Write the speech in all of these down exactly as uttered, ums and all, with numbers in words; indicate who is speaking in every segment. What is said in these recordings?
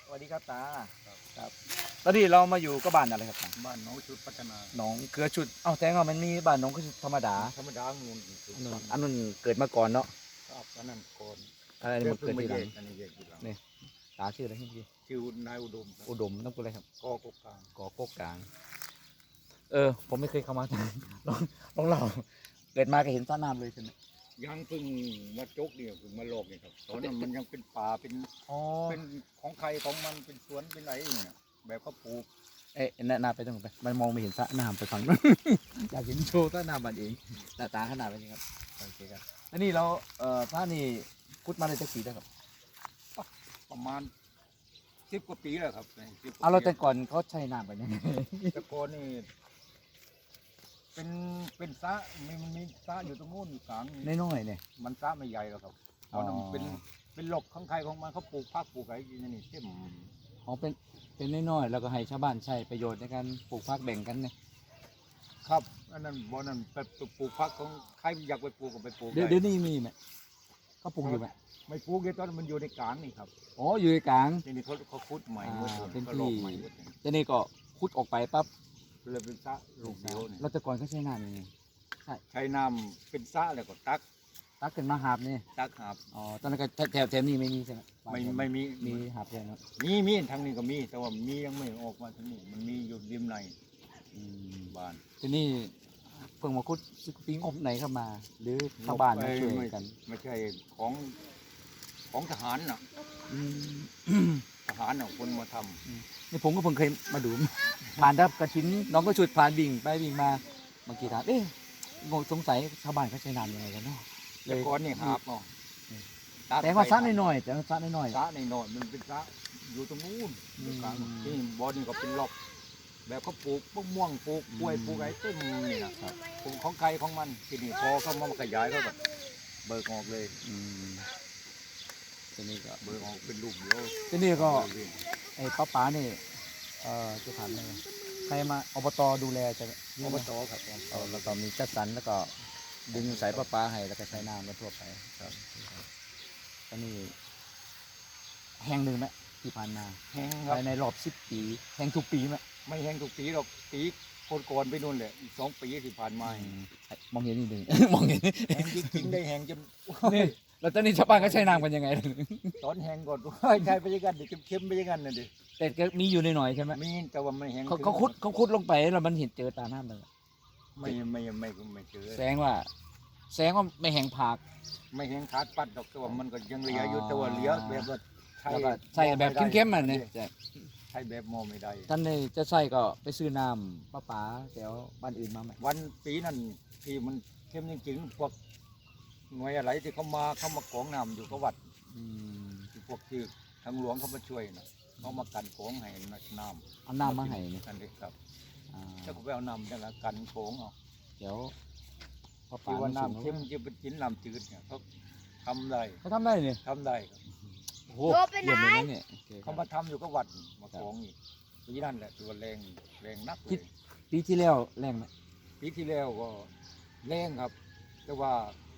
Speaker 1: สวัสดีครับตาครับตอนนี้เรามาอยู่ก็บ้านอะไรครับตา
Speaker 2: บ้านน้องชุดพัฒนา
Speaker 1: หนองเกลือชุดเอ้าแต่ว่ามันมีบ้านหนองเกลือชุดธรรมดา
Speaker 2: ธรรมดางูน
Speaker 1: อันนั้นอันนั้นเกิดมาก่อนเนาะ
Speaker 2: ครับอันนั้นก่อน
Speaker 1: อะไรนี่มันเกิดทีหลัง
Speaker 2: อันนี้แยกทีหลัง
Speaker 1: นี่ตาชื่ออะไรพี่
Speaker 2: ชื่อนายอุดมครับ
Speaker 1: อุดมต้องพูดอะไรครับ
Speaker 2: กอกกลาง
Speaker 1: ก่อโกกกลาง เออ ผมไม่เคยเข้ามาทางลองลองเล่าเกิดมาก็เห็นสระน้ำเลยใช่ไหม
Speaker 2: ยังเพิ่งมาจกเนี่ยเพิ่งมาลอกเนี่ยครับตอนนั้นมันยังเป็นป่าเป็น
Speaker 1: อ๋อ
Speaker 2: เป็นของใครของมันเป็นสวนเป็นอะไรเนี่ยแบบเขาปลูก
Speaker 1: เอ๊ะแนะนำไปตรงไหนไปมันมองไม่เห็นสระน้ำไปฝั่งนู้น อยากเห็นโชว์สระน้ำมันเองแต่ตาขนาดนี้ครับโอเคครับอันนี้เราเอ่อพระนี่พุทธมาได้จักปีแล้วครับ
Speaker 2: ประมาณสิบกว่าปีแล้วครับสิบกว่
Speaker 1: เอาเรา
Speaker 2: ปี
Speaker 1: แต่ก่อนเขาใช้น้ำกันยังไง
Speaker 2: แต่ก่อนนี่เป็นเป็นสระมีมันมีสระอยู่ตรงนู้นอยู่กลาง
Speaker 1: น้อยๆเนี่ย
Speaker 2: มันสระไม่ใหญ่หรอกครับตอนนั้น
Speaker 1: อ๋อ
Speaker 2: เป็นเป็นหลบของใครของมันเขาปลูกผักปลูกอะไรอย่างนี้เต็ม
Speaker 1: อ๋อเป็นเป็นน้อยๆแล้วก็ให้ชาวบ้านใช้ประโยชน์ในการปลูกผักแบ่งกันเนี่ย
Speaker 2: ครับอันนั้นบ่อนั้นไปปลูกผักของใครอยากไปปลูกก็ไปปลูก
Speaker 1: เดี๋ยว
Speaker 2: ได้
Speaker 1: เดี๋ยวนี้มีไหมเขาปลูกอยู่ไหม
Speaker 2: ไม่ปลูกเลยตอนนั้นมันอยู่ในกลางนี่ครับ
Speaker 1: อ๋ออยู่ในกลาง
Speaker 2: ทีนี้เขาเขาขุดใหม่
Speaker 1: อ่า
Speaker 2: หมดเลย
Speaker 1: เป็น
Speaker 2: เขาลอก
Speaker 1: ที่
Speaker 2: ใหม่หมดเลย
Speaker 1: ทีนี้ก็ขุดออกไปปั๊บ
Speaker 2: เลยเป็นสระลูกเดียวนี่
Speaker 1: เราแต่ก่อนเขาใช้น้ำยังไง
Speaker 2: ใช้น้ำเป็นสระแล้วก็ตัก
Speaker 1: ตักขึ้นมาหาบนี่
Speaker 2: ตักหาบ
Speaker 1: อ๋อตอนนั้นก็แถวแถวนี้ไม่มีใช่ไหม
Speaker 2: ไม่ไม่มี
Speaker 1: มีหาบแค่นั้น
Speaker 2: มีมีทางนี้ก็มี แต่ว่ามียังไม่ออกมาทางนี้มันมีอยู่ริมใน
Speaker 1: อืม
Speaker 2: บ้าน
Speaker 1: ทีนี้เพิ่งมาขุดปีงบไหนเข้ามา หรือชาวบ้านมาช่วยกัน
Speaker 2: ไม่ใช่ของของทหารน่ะ
Speaker 1: อืม
Speaker 2: ทหารน่ะคนมาทำ
Speaker 1: นี่ผมก็เพิ่งเคยมาดู ผ่านรับกระถินน้องก็ชุดผ่านวิ่งไปวิ่งมาบางทีถามเอ๊ะงงสงสัยชาวบ้านเขาใช้น้ำยังไงกันเนาะ
Speaker 2: แต่ก่อนนี่หาบเนาะ
Speaker 1: แต่ว่าซัดน้อยๆแต่ว่าซัดน้อย
Speaker 2: สระในหน่อยมันเป็นสระอยู่ตรงนู้น
Speaker 1: อืม
Speaker 2: อยู่กลางที่บ่อนี่ก็เป็นล็อก แบบเขาปลูกมะม่วงปลูกกล้วย
Speaker 1: อืม
Speaker 2: ปลูกอะไรเต็มนี่นะครับปลูกของใครของมันที่นี่พอเขามาขยายเขาแบบเบิกออกเลย
Speaker 1: ๆอืมทีนี้ก็
Speaker 2: เบิกออกเป็นลูกเดียว
Speaker 1: ทีนี้ก็
Speaker 2: เบิก
Speaker 1: ไอ้ป้าป๋านี่เอ่อจะถามอะไรใครมาอบตดูแลจะ
Speaker 2: อบตครับ
Speaker 1: เออแล้วก็มีจัดสรรแล้วก็ดึงสายประปาให้แล้วก็ใช้น้ำกันทั่วไปครับตอนนี้แห้งหนึ่งไหมที่ผ่านมา
Speaker 2: แห้งครับ
Speaker 1: ภายในรอบสิบปีแห้งทุกปีไหม
Speaker 2: ไม่แห้งทุกปีหรอกปีก่อนๆไปนู่นแหละอีกสองปีที่ผ่านมา
Speaker 1: อืมมองเห็นนิดหนึ่ง มองเห็น
Speaker 2: แห้งจริงๆได้แห้งจน
Speaker 1: นี่แล้วตอนนี้ชาวบ้านก็ใช้น้ำกันยังไง
Speaker 2: ตอนแห้งก่อนใช่ไปอยังกันเดี๋ยวเค็มๆไปอยังกันน่ะดิ
Speaker 1: แต่ก็มีอยู่หน่อยๆใช่ไหม
Speaker 2: มีแต่ว่าไม่แห้ง
Speaker 1: เขา
Speaker 2: ถึง
Speaker 1: เขาคุดเขาคุดลงไปแล้วมันเห็นเจอตาน้ำเลย
Speaker 2: ไม่ไม่ไม่ไม่ไม่เจอ
Speaker 1: แสดงว่าแสดงว่าไม่แห้งผาก
Speaker 2: ไม่แห้งขาดปัดดอกแต่ว่ามันก็ยังเหลืออยู่แต่ว่าเหลือแบบว่าใช้
Speaker 1: แล้วก็ใส่แบบเข้มๆมันเนี่ย
Speaker 2: ใช้แบบมอไม่ได้
Speaker 1: ท่านนี่จะใส่ก็ไปซื้อน้ำป้าป๋าแถวบ้านอื่นมาไหม
Speaker 2: วันปีนั้นที่มันเข้มจริงๆพวกหน่วยอะไรที่เขามาเขามากรองน้ำอยู่กับวัด
Speaker 1: อืม
Speaker 2: ที่พวกที่ทางหลวงเขามาช่วยนะเขามากันโขงให้น้ำ
Speaker 1: เอาน้ำมาให้นี่
Speaker 2: นั่นเองครับ
Speaker 1: อ่า
Speaker 2: แล้วก็ไปเอาน้ำนั่นละกันโขงเอา
Speaker 1: เดี๋ยวป้าป๋า
Speaker 2: ที่ว่า
Speaker 1: มา
Speaker 2: น้ำ
Speaker 1: ส่
Speaker 2: เข้
Speaker 1: ง
Speaker 2: มจะเป็นกินน้ำจืดเนี่ยเขาทำได้
Speaker 1: เขาทำได้เนี่ย
Speaker 2: ทำได้ครับ
Speaker 1: โอ้โหเยี่ยมเลยนะเนี่ยโอเคค
Speaker 2: เขา
Speaker 1: รับ
Speaker 2: มาทำอยู่กับวัดมาของอีกปีนั่นแหละตัวแรงแรงนักเลย
Speaker 1: ปีที่แล้วแรงไหม
Speaker 2: ปีที่แล้วก็แรงครับ แต่ว่า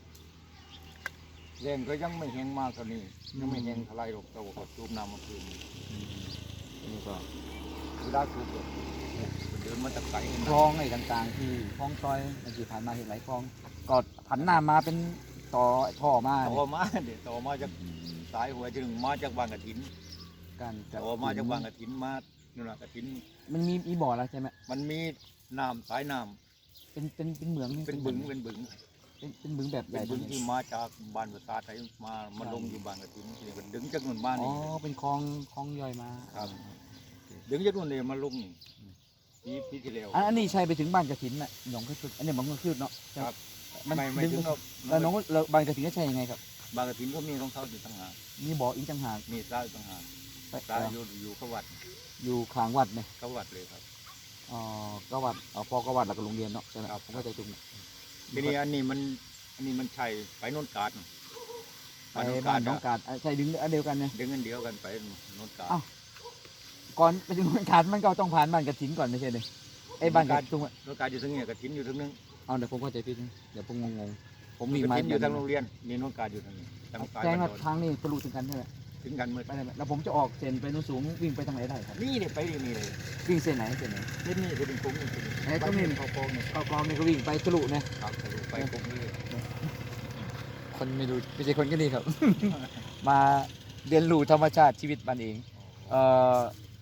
Speaker 2: แรงก็ยังไม่แห้งมากเท่านี้ยังไม่แห้งเท่าไรหรอกแต่ว่าก็สูบน้ำมาคืน
Speaker 1: อืมนี่ก็
Speaker 2: เวลาสูบก็เดินมาจากไกล
Speaker 1: คลองไอ้ต่างๆที่คลองซอยเมื่อกี้ผ่านมาเห็นหลายคลองก็ผันน้ำมาเป็นต่อท่อมา
Speaker 2: ต่อมาเดี๋ยวต่อมาจากสายหัวจึงมาจากบางกระถิน
Speaker 1: การจัด
Speaker 2: ต่อมาจากบางกระถินมานู่นน่ะกระถิน
Speaker 1: มันมีมีบ่อแล้วใช่ไหม
Speaker 2: มันมีน้ำสายน้ำ
Speaker 1: เป็นเป็นเป็นเหมืองนี่
Speaker 2: เป็นบึงเป็นบึง
Speaker 1: เป็นเป็นบึงแบบให
Speaker 2: เป็
Speaker 1: ญ่
Speaker 2: นบึง
Speaker 1: เนี่ย
Speaker 2: ที่มาจากบ้านประสาทไทยมามาลงอยู่บางกระถินที่ก็ดึงจากนู่นมา
Speaker 1: อ๋อ
Speaker 2: นี่
Speaker 1: เป็นคลองคลองย่อยมา
Speaker 2: ครับ ดึงจากนู่นเลยมาลงนี่ปีปีที่แล้ว
Speaker 1: อันอันนี้ใช่ไปถึงบ้านกระถินน่ะหนองกระถินอันนี้มันก็คือเนาะ
Speaker 2: ครับ
Speaker 1: มัน
Speaker 2: ไม่ไม่
Speaker 1: ดึง
Speaker 2: ถึงกับ
Speaker 1: แล้วน้องแล้วบ้านกระถินก็ใช่ยังไงครับ
Speaker 2: บางกระถินเขามีของเขาอยู่ต่างหาก
Speaker 1: มีบ่ออีกต่างหาก
Speaker 2: มีสายต่างหาก
Speaker 1: ไป
Speaker 2: สายอยู่อยู่กับวัด
Speaker 1: อยู่ข้างวัดเนี่ย
Speaker 2: กับวัดเลยครับ
Speaker 1: อ๋อก็วัดอ๋อพอก็วัดแล้วก็โรงเรียนเนาะใช่ไหม
Speaker 2: ครับ
Speaker 1: ผมก็ใจตรงเนี่ย
Speaker 2: ทีนี้อันนี้มันอันนี้มันใช่ไปโนนกาด
Speaker 1: ไปบ้านน้องกาดอ่ะใช่ดึงอันเดียวกันเนี่ย
Speaker 2: ดึงกันเดียวกันไปโนนกาด
Speaker 1: อ้าว ก่อนไปถึงบ้านกาดมันก็ต้องผ่านบ้านกระถินก่อนไม่ใช่เลยไอ้บ้านกระถิน
Speaker 2: โนนกาดอยู่ทางนี้กระถินอยู่ทางนึง
Speaker 1: เอาเดี๋ยวผมเข้าใจผิดนะเดี๋ยวผมงงๆผมมี
Speaker 2: กระ
Speaker 1: ไม้
Speaker 2: ถินอยู่ทางโรงเรียนมีโนนกาดอยู่ทางนี้ทางซ้าย
Speaker 1: แจ้ง
Speaker 2: บ้าน
Speaker 1: ว่า
Speaker 2: โดน
Speaker 1: ทางนี้ทะลุถึงกันใช่ไหม
Speaker 2: ถึถึงกันหมด
Speaker 1: ไปได้ไหมแล้วผมจะออกเส้นไปโน้นสูงวิ่งไปทางไหนได้ครับ
Speaker 2: นี่เนี่ยไปนี่นี่เลย
Speaker 1: วิ่งเส้นไหนเส้นไหน
Speaker 2: เส้นนี้จะเป็นคุ้มนี่
Speaker 1: ไอ้ตรงนี้
Speaker 2: เขาโกงเนี่ย
Speaker 1: เข้ากองนี่ก็วิ่งไปทะลุเนี่ย
Speaker 2: ครับทะลุไปคุ้มเลย
Speaker 1: คนไม่รู้ไม่ใช่คนก็นี่ครับ มาเรียนรู้ธรรมชาติชีวิตมันเองเอ่อ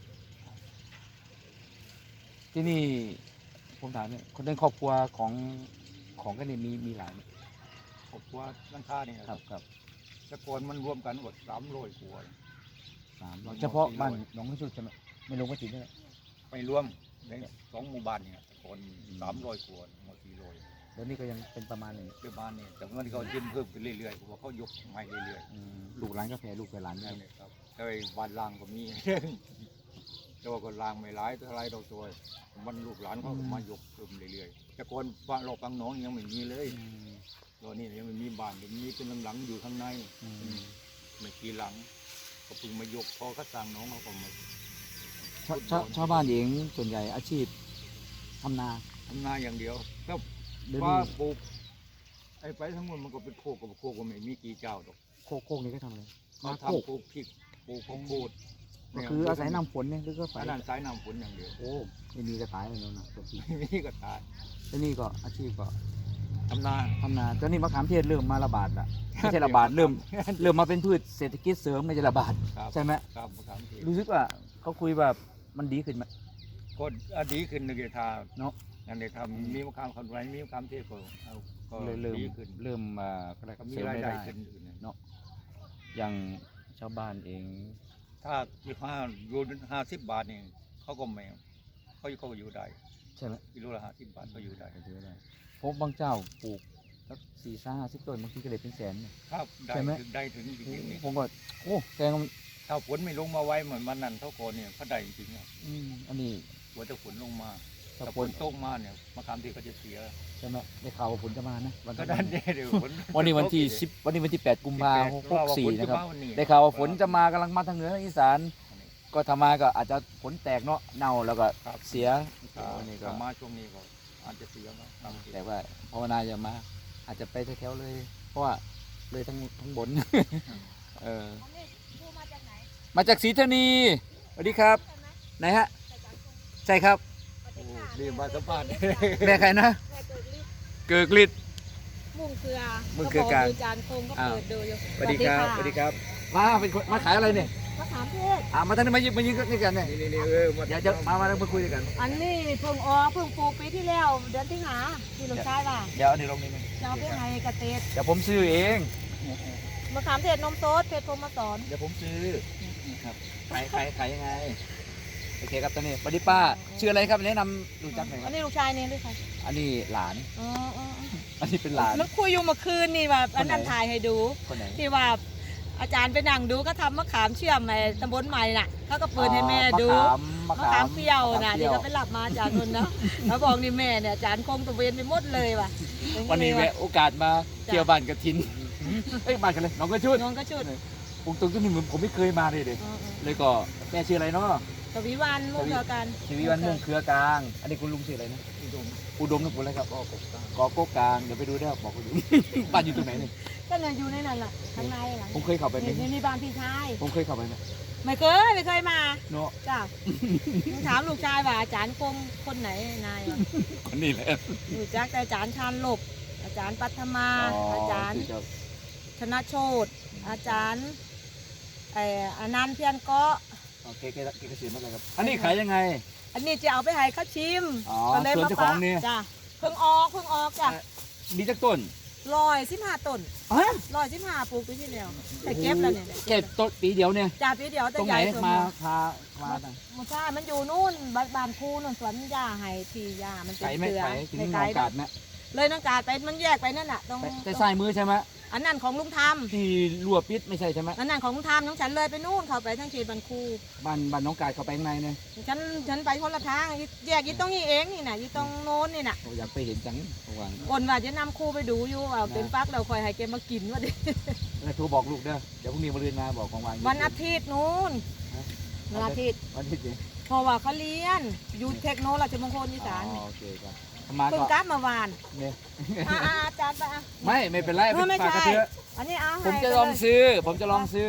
Speaker 1: ที่นี่ผมถามเนี่ยคนในครอบครัวของของกันนี่มีมีหลายไหม
Speaker 2: ครอบครัวร้านค้าเนี่ย
Speaker 1: ครับครับ
Speaker 2: แต่ก่อนมันรวมกันหมดสามร้อยครัว
Speaker 1: สามร้อยเฉพาะบ้านหนองกระชุดใช่ไหมไม่ลงก็ติดได้
Speaker 2: ไปรวมในสองหมู่บ้านเนี่ยคนสามร้อยครัวหมดสี่ร้อย
Speaker 1: แล้วนี่ก็ยังเป็นประมาณหนึ่ง
Speaker 2: เจ้าบ้านเนี่ยแต่ว่าเขายื่นเพิ่มขึ้นเรื่อยๆเพราะว่าเขายกใหม่เรื่อย
Speaker 1: อืมลูกหลานก็แพ้ลูกไปหลาน
Speaker 2: ๆ
Speaker 1: ได้
Speaker 2: นี่นแหละครับแต่ไอ้บ้านล่างก็มี แต่ว่าก็ล่างไม่ร้ายเท่าไรเราตัวมันลูกหลานเขาก็มายกเพิ่มเรื่อยๆแต่ก่อนบ้านเราฟังน้องยังไม่มีเลย
Speaker 1: อืม
Speaker 2: ตอนนี้ยังไม่มีบ้านยังมีเป็นหลังๆอยู่ข้างใน
Speaker 1: อืม
Speaker 2: ไม่กี่หลังก็เพิ่งมายกพอเขาสร้างน้องเขาก็มา
Speaker 1: ชาวชาวชาวบ้านเองส่วนใหญ่อาชีพทำนา
Speaker 2: ทำนาอย่างเดียวก็
Speaker 1: เดี๋ยว
Speaker 2: ว่า
Speaker 1: นี้
Speaker 2: ปลูกไอ้ไปทั้งหมดมันก็เป็นโคกกับโคกก็ไม่มีกี่เจ้าดอก
Speaker 1: โคกโคกนี่ก็ทำอะไร
Speaker 2: เขา
Speaker 1: นาโคก
Speaker 2: ทำปลูกพริกปลูกข้าวโพด
Speaker 1: ก็คืออาศัยน้ำฝนเนี่ยหรือก็ไฟ
Speaker 2: อันนั้นสายน้ำฝนอย่างเดียว
Speaker 1: โอ้ไม่มีกระต่ายเลยเนาะนะตัวที่
Speaker 2: ไม่มีก็ตาย
Speaker 1: แล้วนี่ก็อาชีพก็
Speaker 2: ทำนา
Speaker 1: ทำนาตอนนี้มะขามเทศเริ่มมาระบาดละไม่ใช่ระบาดเริ่มเริ่มมาเป็นพืชเศรษฐกิจเสริมไม่ใช่ระบาด
Speaker 2: ครับ
Speaker 1: ใช่ไหม
Speaker 2: ครับมะขามเทศ
Speaker 1: รู้สึกว่าเขาคุยแบบมันดีขึ้นไหม
Speaker 2: ก็อดีขึ้นในเกทา
Speaker 1: เนาะ
Speaker 2: นั่นเองทำมีมะขามคนไรมีมะขามเทศก็เอาก็
Speaker 1: เลยเริ่ม
Speaker 2: ดีขึ้น
Speaker 1: เริ่มมาก็ได้
Speaker 2: ก็มี
Speaker 1: เสริม
Speaker 2: ราย
Speaker 1: ได้
Speaker 2: ได้
Speaker 1: ได้
Speaker 2: ขึ้นอื่นนะ
Speaker 1: เนาะอย่างชาวบ้านเอง
Speaker 2: ถ้าสิบห้าอยู่ห้าสิบบาทนี่เขาก็ไม่เขาเขาก็อยู่ได้
Speaker 1: ใช่ไหม
Speaker 2: กิโลละห้าสิบบาทก็อยู่ได้
Speaker 1: ก็ถือว่าได้เพราะบางเจ้าปลูกสักสี่ห้าสิบต้นบางทีก็เลยเป็นแสนเนี่ย
Speaker 2: ครับได้
Speaker 1: ใช่ไหม
Speaker 2: ถึงได้ถึงจริงๆนี่
Speaker 1: ผมก็โอ้แกงมัน
Speaker 2: ถ้าฝนไม่ลงมาไว้เหมือนมันนั่นเท่าก่อนเนี่ยเขาได้จริงๆอะ
Speaker 1: อืมอันนี้
Speaker 2: หัวแต่ฝนลงมา
Speaker 1: ถ้า
Speaker 2: แต่
Speaker 1: ฝ
Speaker 2: ฝ
Speaker 1: น
Speaker 2: นตกมาเนี่ยมะขามเทศก็จะเสีย
Speaker 1: ใช่ไหมได้ข่าวว่าฝนจะมานะวัน
Speaker 2: ก็
Speaker 1: ที่
Speaker 2: ดันเนี่ยเดี๋ยวฝน
Speaker 1: วันนี้วันที่สิบวันนี้วันที่แปดกุมภาพันธ์หกสี่นะครับ
Speaker 2: ฝจมาวันนี้
Speaker 1: ได้ข่าวว่าฝนจะมากำลังมาทางเหนือทางอีสาน ก็ทำมาก็อาจจะฝนแตกเนาะเน่าแล้วก็
Speaker 2: ครับ
Speaker 1: เสีย
Speaker 2: ถ้า
Speaker 1: อันนี้ก็
Speaker 2: ถ้ามาช่วงนี้ก็อาจจะเสียเนาะครับ
Speaker 1: แต่ว่าภาวนาอย่ามา อาจจะไปแถวๆเลย เพราะว่าเลยทั้งทั้งบน เออ
Speaker 3: อันนี้ครูมาจากไหน
Speaker 1: มาจากศรีธานีสวัสดีครับ
Speaker 3: ใช่ไหม
Speaker 1: ไหนฮะ
Speaker 3: จากจากตรง
Speaker 1: ใช่ครับ
Speaker 3: ปฏิ
Speaker 2: โอ้
Speaker 3: ฆา
Speaker 2: รีบมาสัมภาษณ์
Speaker 1: แม่ใครนะ
Speaker 3: แม่เกิดฤทธิ์
Speaker 1: เกิกฤทธิ์
Speaker 3: มุ่งเกลือ
Speaker 1: มุ่งเกลือกลาง
Speaker 3: ดูจานคงก็
Speaker 1: อ้าว
Speaker 3: เปิดดูอยู่
Speaker 1: สวัสดีครับสวัสดีครับ มาเป็นคนมาขายอะไรเนี่ย
Speaker 3: มะขามเทศ
Speaker 1: อ่ามาทางนี้มายืนมายืนนี่กันเนี่ย
Speaker 2: นี่นี่นี่เออมา
Speaker 1: เดี๋ยวจะมามาแล้วมาคุยด้วยกัน
Speaker 3: อันนี้เพิ่งออกเพิ่งปลูกปีที่แล้วเดือนที่หาที่ลูกชายว่า
Speaker 1: เดี๋ยวอันนี้ลงนี่นึง
Speaker 3: จะเอาไปให้เกษตร
Speaker 1: เดี๋ยวผมซื้อเอง
Speaker 3: มะขามเทศนมโต๊ดเพชรพรหมสอน
Speaker 1: เดี๋ยวผมซื้อครับขายขายขายยังไงโอเคครับตอนนี้สวัสดีป้าชื่ออะไรครับแนะนำรู้จักหน่อยค
Speaker 3: อั
Speaker 1: รับ
Speaker 3: นนี้ลูกชายเนี่ยด้วยค่ะ
Speaker 1: อันนี้หลาน
Speaker 3: อ๋ออ๋อ
Speaker 1: อันนี้เป็นหลาน
Speaker 3: มันคุยอยู่เมื่อคืนนี่แบบอันนั้น
Speaker 1: คนไหน
Speaker 3: ถ่ายให้ดู
Speaker 1: คนไหน
Speaker 3: ที่ว่าอาจารย์ไปนั่งดูก็ทำมะขามเชื่อมไอ้ตำบลใหม่น่ะเขาก็เปิดให้แม่ดู
Speaker 1: มะขาม
Speaker 3: มะขามเปรี้ยวนะ
Speaker 1: มขาม
Speaker 3: ที่เขาไปรับมาจากนนเนาะแล้วบอกนี่แม่เนี่ยอาจารย์คงตะเวนไปหมดเลยว่ะ
Speaker 1: วันนี้แม่โอกาสมาเที่ยวบ้านกระทินเอ้ยบ้านกันเลยน้องก็ชุด
Speaker 3: น้องก็ชุด
Speaker 1: ผมตรงที่นี่เหมือนผมไม่เคยมาเลยเด็
Speaker 3: เออ
Speaker 1: เลยก็แม่ชื่ออะไรเนาะ
Speaker 3: ๆตะวิวันมุ่งเดียวกัน
Speaker 1: ชีวิวันมุ่งเครือกลาง อันนี้คุณลุงชื่ออะไรนะ
Speaker 2: อุดม
Speaker 1: อุดมนะคุณอะไรครับ
Speaker 2: ก็กบกลาง
Speaker 1: กอโก้กลางเดี๋ยวไปดูได้บอกคุณลุง บ้านอยู่ตรงไหนนี่
Speaker 3: ก็เลยอยู่ในนั้นแหละข้างในหลัง
Speaker 1: ผมเคยเข้าไปไหม
Speaker 3: นี่นี่บ้านพี่ชาย
Speaker 1: ผมเคยเข้าไปไหม
Speaker 3: ไม่เคยไม่เคยมา
Speaker 1: เนาะ
Speaker 3: จ้าถามลูกชายว่าอาจารย์คงคนไหนนายวะ
Speaker 1: คนนี้แหละ
Speaker 3: รู้จักแต่อาจารย์ชาญหลบ อาจารย์ปัทมา อาจารย์
Speaker 1: คือจะ
Speaker 3: ชนะโชตอาจารย์ไอ้อนันต์เพียรเกาะ
Speaker 1: โอเคเกเกเกษียณมาเลยครับ อันนี้ขายยังไง
Speaker 3: อันนี้จะเอาไปให้เขาชิม
Speaker 1: อ๋อ
Speaker 3: ก็เลย
Speaker 1: ส่วน
Speaker 3: มา
Speaker 1: เจ้าของนี่
Speaker 3: จ้ะเพิ่งออกเพิ่งออกจ้ะ
Speaker 1: มีจักต้น
Speaker 3: ลอยสิบห้าต้น
Speaker 1: ฮะ
Speaker 3: ลอยสิบห้าปลูกปีที่แล้วแต่เก็บแล้วเนี่ย
Speaker 1: เก็บต้นปีเดียวเนี่ย
Speaker 3: จ่าปีเดียวแต่
Speaker 1: ตรง
Speaker 3: ให
Speaker 1: ไหน
Speaker 3: ญ่สุด
Speaker 1: มาพามาต่าง
Speaker 3: มันใช่มันอยู่นู่นบ้านบ้านคูนู่นสวนยาให้ที่ยามันเป็น
Speaker 1: ไก่ไม่
Speaker 3: เกลือ
Speaker 1: ไก่ถึง
Speaker 3: ใน
Speaker 1: หน
Speaker 3: ไก่
Speaker 1: องกาดนะ
Speaker 3: เลยน้องกาดไปมันแยกไปนั่นน่ะตรง
Speaker 1: แต่แต่ซ้ายมือใช่ไหม
Speaker 3: อันนั้นของลุงท
Speaker 1: ที่รั่วปิดไม่ใช่ใช่ไหม
Speaker 3: ำอันนั้นของลุงทำน้องฉันเลยไปนู่นเข้าไปทั้งทีบันคู
Speaker 1: บ้านบ้านน้องกาดเขาไปข้างในเนี่ย
Speaker 3: ฉันฉันไปคนละทางแยกยี่ตรงนี้เองนี่น่ะยี่ตรงโน้นนี่น่ะ
Speaker 1: ผมอยากไปเห็นจังระหว่าง
Speaker 3: ก่อนว่าจะนำครูไปดูอยู่ว่าเป็นฟักเราคอยให้แกมากินว่าดิ
Speaker 1: แล้วโทรบอกลูกเด้อเดี๋ยวพรุ่งนี้มาเรียนมาบอกของวางอยู่
Speaker 3: วันอาทิตย์นู้น
Speaker 1: ฮะ
Speaker 3: วันอาทิตย์
Speaker 1: วันอาทิตย์สิ
Speaker 3: เพราะว่าเขาเรียนอยู่เทคโนโลยีมงคลอีสาน
Speaker 1: อ๋
Speaker 3: นี่
Speaker 1: อโอเคครับมา
Speaker 3: เพิ่ง
Speaker 1: ก็
Speaker 3: กลับเมื่อวาน
Speaker 1: เนี่ย
Speaker 3: อ่าอาจารย์ไปอ่ะ
Speaker 1: ไม่ไม่เป็นไร
Speaker 3: เออไม่
Speaker 1: ฝากกระ
Speaker 3: ใช่
Speaker 1: เทือะ
Speaker 3: อันนี้เอา
Speaker 1: ผม
Speaker 3: ให้
Speaker 1: จะ
Speaker 3: ไป
Speaker 1: ลอง
Speaker 3: เลย
Speaker 1: ซื้อ ผมจะลองซื้อ
Speaker 3: เอา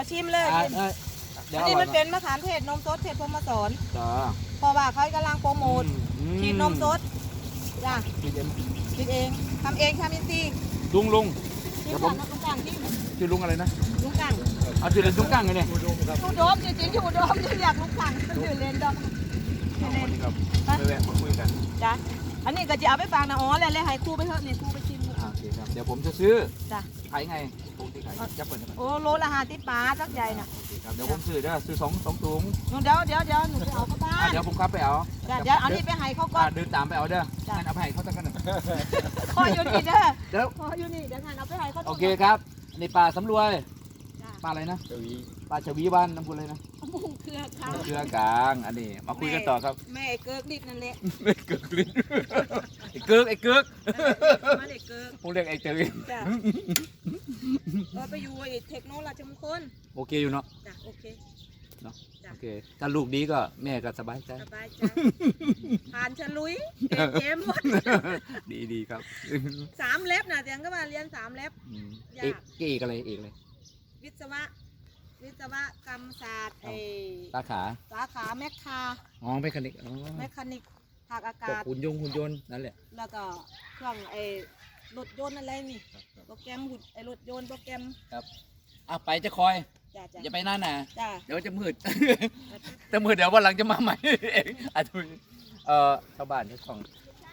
Speaker 3: เอาชิมเลย
Speaker 1: อ่ะ
Speaker 3: ชิม
Speaker 1: เอ้ยเดี๋ยว
Speaker 3: อัน
Speaker 1: อ
Speaker 3: นี้
Speaker 1: ร่อ
Speaker 3: มั
Speaker 1: ย
Speaker 3: น
Speaker 1: มา
Speaker 3: เป็นมะขามเทศนมสดเทศพรหมสอน
Speaker 1: จ้า
Speaker 3: เพราะว่าเขากำลังโปรโมท
Speaker 1: อื
Speaker 3: ฉีดนมสดจ้ะ
Speaker 1: ฉีดเอง
Speaker 3: ฉีดเองทำเองทำอินทรีย์
Speaker 1: ลุงลุง
Speaker 3: ชิ
Speaker 1: เดี๋
Speaker 3: ม
Speaker 1: ยวผ
Speaker 3: ก่อ
Speaker 1: ม
Speaker 3: นนะลุงกังที่
Speaker 1: ชื่อลุงอะไรนะ
Speaker 3: ลุงกัง
Speaker 1: เอาชื่อเล่นลุงกั้งไงเนี่ย
Speaker 2: อุดมครับ
Speaker 3: อยู่โดมจริงๆอยู่โดมที่อยากลุงกังมันอยู่เลนดอมอยู่เลน
Speaker 1: ครับไปแวะมาคุยกัน
Speaker 3: จ้ะอันนี้ก็จะเอาไปฝากนะอ๋อแล้วเลยให้ครูไปเถอะนี่ครูไปชิมดู
Speaker 1: อ่าโอเคครับเดี๋ยวผมจะซื้อ
Speaker 3: จ้ะ
Speaker 1: ขายไงปกติขายจะเปิดนะครับ
Speaker 3: โอ้โลละห้าสิบบาทสักใหญ่น่ะ
Speaker 1: โอเคครับเดี๋ยวผมซื้อเด้อซื้อสองสองถุง
Speaker 3: หนูเดี๋ยวเดี๋ยวเดี๋ยวหนูไปเอาเข้าบ้า
Speaker 1: อ่ะ
Speaker 3: น
Speaker 1: เดี๋ยวผมขับไปเอา
Speaker 3: จ้ะเดี๋ยวเอานี่ไปให้เขาก่อ
Speaker 1: อ่าน เดินตามไปเอาเด้อ
Speaker 3: จ้ะ
Speaker 1: งั้นเอาไปให้เขาตั้งกันหนึ่ง
Speaker 3: คอยอยู่นี่เด้อ
Speaker 1: เดี๋ยว
Speaker 3: คอยอยู่นี่เดี๋ยวงานเอาไปให้เขา
Speaker 1: โอเคครับในป่าสำรวย
Speaker 3: จ้ะ
Speaker 1: ป่าอะไรนะ
Speaker 2: เจ้าวี
Speaker 1: ป่าชวีบ้านน้ำพุเลยนะ
Speaker 3: มุงเครือเขา
Speaker 1: เครือกลางอันนี้มาคุยกันต่อครับ
Speaker 3: แม่ไอ้เกิกนิดนั่นแหละ
Speaker 1: ไม่เกิกลิ้นไอ้เกิกไอ้เกิก
Speaker 3: มาเด็กเกิก
Speaker 1: ผมเรียกไอ้เกิก
Speaker 3: จ้ะเออไปอยู่ไอ้เทคโนโลยีมงคล
Speaker 1: โอเคอยู่เนาะ
Speaker 3: จ้ะโอเค
Speaker 1: เนาะ
Speaker 3: จ้ะ
Speaker 1: โอเคถ้าลูกดีก็แม่ก็สบายใจ
Speaker 3: สบายใจผ่านฉลุยเกมเกมหมด
Speaker 1: ดีดีครับ
Speaker 3: สามเล็บน่ะเสียงก็มาเรียนสามเล็บ
Speaker 1: อืม
Speaker 3: ยาก
Speaker 1: เอกเอกอะไรเอกอะไร
Speaker 3: วิศวะ วิศวกรรมศาสตร์ไอ้
Speaker 1: สาขา
Speaker 3: สาขาแมคคา
Speaker 1: อ๋อเมคานิกอ๋อ
Speaker 3: แมคคานิกภาคอา
Speaker 1: พวก
Speaker 3: กาศ
Speaker 1: หุ่นยนต์หุ่นยนต์นั่นแหละ
Speaker 3: แล้วก็เครื่องไอ้รถยนต์อะไรนี่โปรแกรมหุ่นไอ้รถยนต์โปรแกรม
Speaker 1: อ่ะไปจะคอย
Speaker 3: จ้ะจ้ะ
Speaker 1: อย่าไปนั่นน่ะ
Speaker 3: จ้ะ
Speaker 1: เดี๋ยวจะมืด แต่มืดเดี๋ยววันหลังจะมาใหม่ เองอ่ะทุยเอ่อชาวบ้านที่ของ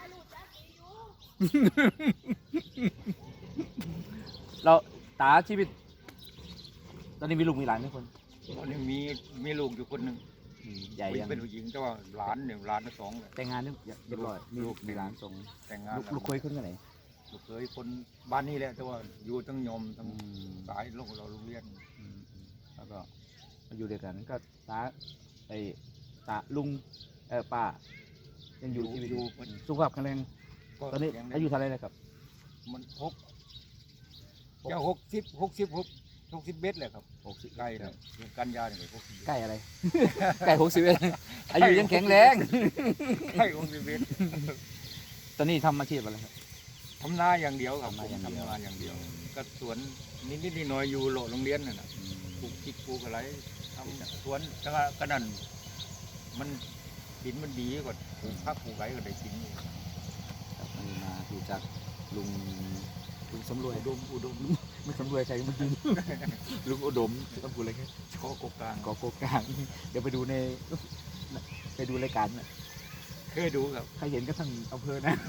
Speaker 1: เราตาชีวิต ตอนนี้มีลูกมีหลานไหมคน
Speaker 2: ตอนนี้มีมีลูกอยู่คนหนึ่ง
Speaker 1: อืมใหญ่ยัง
Speaker 2: เป็นผู้หญิงแต่ว่าหลานหนึ่งหลานทั้งสองเลย
Speaker 1: แต่งงานนี่เรียบร้อยมีลูกมีหลานส่ง
Speaker 2: แต่งงาน
Speaker 1: ลูก
Speaker 2: แล้ว
Speaker 1: ลูกเคยขึ้นกันไหน
Speaker 2: ลูกเคยคนบ้านนี้แหละแต่ว่าอยู่ทั้งยมทั้ง
Speaker 1: อืม
Speaker 2: สายลูกเราโรงเรียน
Speaker 1: อืมอืมแล้วก็มาอยู่ด้วยกันก็ตาไอ้ตาลุงเออป้ายังอยู่ชีวิตอยู่สุขภาพแข็งแรง
Speaker 2: ก็
Speaker 1: ตอนนี้
Speaker 2: ยังได้
Speaker 1: อายุเท่าไหรแล้วครับ
Speaker 2: มันหกจะหกสิบหกสิบหกหกสิบเมตรเลยครับ
Speaker 1: หกสิบ
Speaker 2: ใกล้เลยเดือนกันยาเนี่ยหกสิบ
Speaker 1: ใกล้อะไร ใกล้หกสิบเอ็ดอายุยังแข็งแรง
Speaker 2: ใกล้หกสิบเมตร
Speaker 1: ตอนนี้ทำอาชีพอะไรครับ
Speaker 2: ทำนาอย่างเดียวครับ
Speaker 1: ทำนาอย่างเดียว
Speaker 2: ทำนาอย่างเดียวก็สวนนิดๆหน่อยๆอยู่โลโรงเรียนน่ะนะปลูกพริกปลูกอะไรทำสวนก็ก็นั่นมันดินมันดีกว่าปลูกผักปลูกอะไรก็ได้กินอยู่
Speaker 1: ครับอันนี้มาดูจากลุงลุงสำรวยอุดมอุดมไม่สำรวยใครเมื่อกี้ ลุงอุดมต้องพูดอะไรกัน
Speaker 2: ขอกกลาง
Speaker 1: กอโกกลางเดี๋ยวไปดูในไปดูรายการนะ
Speaker 2: เคยดูครับ
Speaker 1: ใครเห็นก็ทั้งอำเภอนะ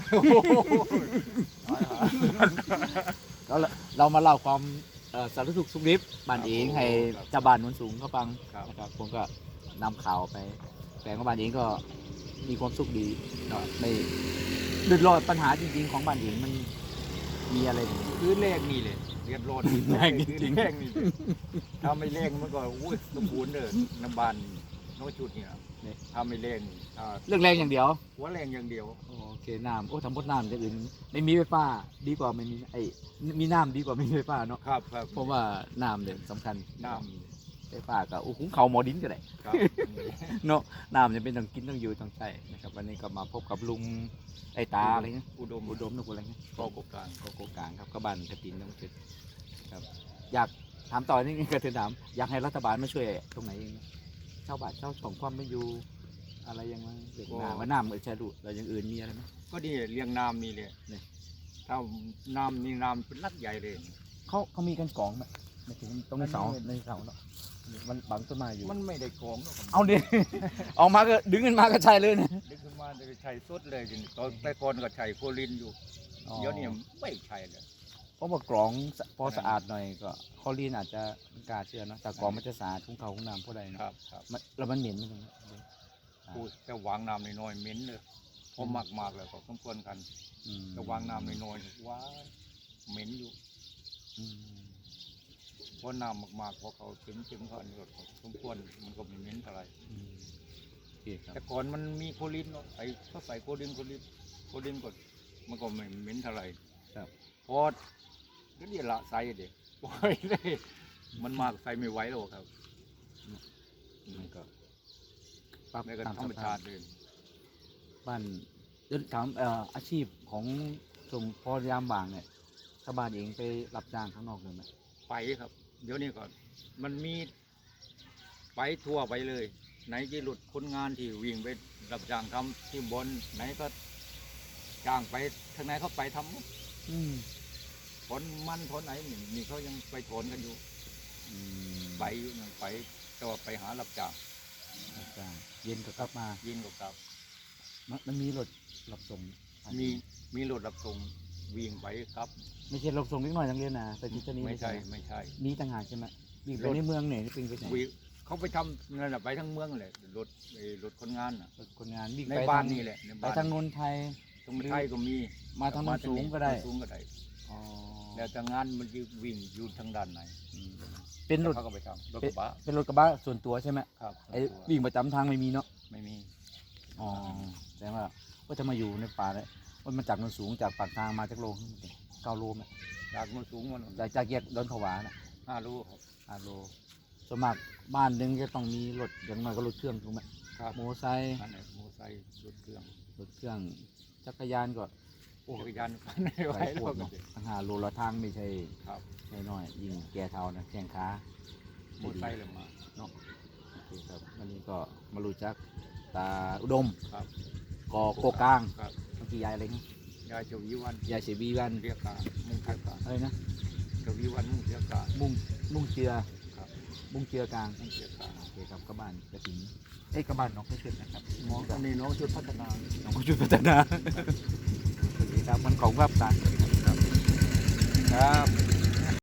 Speaker 1: แล้วเรามาเล่าความเอ่อสารทุกข์สุขดิบบ้านเองให้เจ้าบ้านโนนสูงเขาฟัง
Speaker 2: ครับ
Speaker 1: นะครับผมก็นำข่าวไปแปลงว่าบ้านเองก็มีความสุขดีเนาะไม่เดือดร้อนปัญหาจริงๆของบ้านเองมันมีอะไรบ้าง
Speaker 2: พื้นแรกนี่เลยเรียนรอด
Speaker 1: พื้นแรกจริงๆ
Speaker 2: พื้นแรกนี่เลยถ้าไม่แรงมันก็อุ้ยสมบูรณ์เด้อน้ำบานน้อยจุดเนี่ยถ้าไม่แรงถ้า
Speaker 1: เรื่องแรงอย่างเดียว
Speaker 2: หัวแรงอย่างเดียว
Speaker 1: โอเคน้ำโอ้ทำพดน้ำอย่างอื่นไม่มีไฟฟ้าดีกว่าไม่มีไอ้มีน้ำดีกว่าไม่มีไฟฟ้าเนาะ
Speaker 2: ครับครับ
Speaker 1: เพราะว่าน้ำเนี่ยสำคัญ
Speaker 2: น้
Speaker 1: ไฟฟ้าก็โอ้หุงเขาวหมอดินก็ได้
Speaker 2: ำครับ
Speaker 1: เนาะน้ำจะเป็นต้องกินต้องอยู่ต้องใช้นะครับวันนี้ก็มาพบกับลุงไอ้ตาอะไรเงี้ย
Speaker 2: อุดม
Speaker 1: อุดมนุกอะไรเงี้ย
Speaker 2: กอกกลาง
Speaker 1: ก็โกกลางครับก็บ้านกระตินน้องเจ็ดครับอยากถามต่อนี่กระเทือนถามอยากให้รัฐบาลมาช่วยตรงไหนเองชาวบ้านชาวช่องความไม่อยู่อะไรยังไงเด็กน้ำว่าน้ำเออใช่ดูแล้วอย่างอื่นมีอะไรไหม
Speaker 2: ก็นี่เลี้ยงน้ำนี่เลย
Speaker 1: เนี่ย
Speaker 2: ถ้าน้ำนี่น้ำเป็นลักใหญ่เลย
Speaker 1: เขาเขามีกันกองไหมไม่ถึงตรงในเสาในเสาเนาะมันบังต้นไม้อยู่
Speaker 2: มันไม่ได้กองหรอกครับ
Speaker 1: เอาดิ ออกมาก็ดึงกันมาก็ใช่เลยนะ
Speaker 2: ดึงขึ้นมาจะใช้สดเลยจริงๆตอนแต่ก่อนก็ใช้โคลินอยู่เดี๋ยวนี้ไม่ใช่เลย
Speaker 1: เพราะว่ากรองสะพอสะอาดหน่อยก็คอลีนอาจจะไม่กล้าเชื่อเนอะแต่กรองมันจะสะอาดทุ่งเขาทุ่งน้ำพวกใด
Speaker 2: ค
Speaker 1: เนาะ
Speaker 2: รับครับ
Speaker 1: มันแล้วมันเหม็นไหมตรงนี้
Speaker 2: พูดแต่วางน้ำน้อยๆเหม็นเลยพอมากๆแล้วก็สมควรกัน
Speaker 1: อืม
Speaker 2: แต่วางน้ำน้อยๆว้าเหม็นอยู่
Speaker 1: อืม
Speaker 2: เพราะน้ำมากๆพอเขาถึงถึงเขาอันนี้ก็สมควรมันก็ไม่เหม็นเท่าไหร่
Speaker 1: อืมโอเคครับ
Speaker 2: แต่ก่อนมันมีโคลินเนาะไอ้เขาใส่โคลินโคลินโคลินก็มันก็ไม่เหม็นเท่าไหร่
Speaker 1: ครับ
Speaker 2: พอก็เดี๋ยวละใส่เด็กปล่อยเลยมันมากใส่ไม่ไหวหรอกครับ
Speaker 1: มันก็ปรับ
Speaker 2: ในกระ
Speaker 1: ตาม
Speaker 2: ธรรม
Speaker 1: สภา
Speaker 2: ชา
Speaker 1: พ
Speaker 2: ติเลย
Speaker 1: บ้านเดี๋ยวถามเอ่ออาชีพของชมพอยามบ่างเนี่ยชาวบ้านเองไปรับจ้างข้างนอกเลยไหม
Speaker 2: ไปครับ เดี๋ยวนี้ก็มันมีไปทั่วไปเลย ไหนที่หลุดคนงานที่วิ่งไปรับจ้างทำที่บน ไหนก็จ้างไปทางไหนเขาไปทำหมด
Speaker 1: อืม
Speaker 2: ผลมันผลไหนนี่นี่เขายังไปถอนกันอยู่
Speaker 1: อืม
Speaker 2: ไปอยู่ยังไปแต่ว่าไปหารับจ้าง
Speaker 1: รับจ้างเย็นก็กลับมา
Speaker 2: ยินกับกับ
Speaker 1: มันมันมีรถรับส่ง
Speaker 2: มีมีรถรับส่งวิ่งไปครับ
Speaker 1: ไม่ใช่รับส่งเล็กน้อยทั้งเรียนนะไปที่นี่
Speaker 2: ไม่ใช่ไม่ใช่
Speaker 1: มีต่างหากใช่ไหมวิ่งไป
Speaker 2: รถ
Speaker 1: ในเมืองเนี่ยวิ่งไปไหน
Speaker 2: วิ่งเขาไปทำนั่นแหละไปทั้งเมืองเลยรถไอ้รถคนงานน่ะ
Speaker 1: รถคนงานวิ่ง
Speaker 2: ใน
Speaker 1: ไป
Speaker 2: บ้าน
Speaker 1: ทง
Speaker 2: นี่แหละใน
Speaker 1: ไป
Speaker 2: บ้าน
Speaker 1: ทางนนทไทย
Speaker 2: ตรงไทยก็มี
Speaker 1: มาทางโน้นสูงก็ได้
Speaker 2: โน้นสูงก็ได้
Speaker 1: อ๋อ
Speaker 2: แล้วแต่งานมันจะวิ่งอยู่ทางด้านไหน
Speaker 1: อืมเป็นรถ
Speaker 2: เขาก็ไปทำรถก
Speaker 1: เป็น
Speaker 2: ระบะ
Speaker 1: เป็นรถกระบะส่วนตัวใช่ไหม
Speaker 2: ครับ
Speaker 1: ไอ้วิ่งประจำทางไม่มีเนาะ
Speaker 2: ไม่มี
Speaker 1: อ๋อแสดงว่าว่าจะมาอยู่ในป่าเลยว่ามันจากโนนสูงจากปากทางมาจากโลเก้าโลไหม
Speaker 2: จากโน้นสูงมัน
Speaker 1: จากจากแยกดอนผวาน่ะ
Speaker 2: ห้าลูกครับ
Speaker 1: ห้าโลส่วนมากบ้านหนึงจะต้องมีรถอย่างน้อยก็รถเครื่องถูกไหม
Speaker 2: ครับ
Speaker 1: มอเตอร์ไซค์
Speaker 2: นั่นแหละมอเตอร์ไซค์รถเครื่อง
Speaker 1: รถเครื่องจักรยานก็โอ้
Speaker 2: จักรยานไม่ ไหว
Speaker 1: หลาย
Speaker 2: แล้
Speaker 1: พ
Speaker 2: ว
Speaker 1: วก
Speaker 2: ก็
Speaker 1: เนาะตั้งห้าโลละทางไม่ใช่
Speaker 2: ครับ
Speaker 1: ใช่น้อยยิ่งแก่เท่านะแข้งขาม
Speaker 2: อเตอร์ไซค์เลยมา
Speaker 1: เนาะโอเคครับวันนี้ก็มารู้จักตาอุดม
Speaker 2: ครับ
Speaker 1: กอโกกลาง
Speaker 2: ครับ
Speaker 1: เมื่อกี้ยายอะไรนะ
Speaker 2: ยายเจาวิวัน
Speaker 1: ยายเสียบีวัน
Speaker 2: เรียกกามุ่งเรียกกา
Speaker 1: อะไรนะ
Speaker 2: เจาวิวันมุ่งเรียกกา
Speaker 1: มุ่งมุ่งเจือ
Speaker 2: ครับ
Speaker 1: มุ่งเจือกลาง
Speaker 2: มุ่งเรียกกา
Speaker 1: โอเคครับกระบานกระถินเอ้ยกระบานน้องไม่ขึ้นนะครับ
Speaker 2: น้องอันนี้น้องชุดพัฒนา
Speaker 1: น้องก็ช่วยพัฒนาโอเคครับมันของภาพตาครับครับ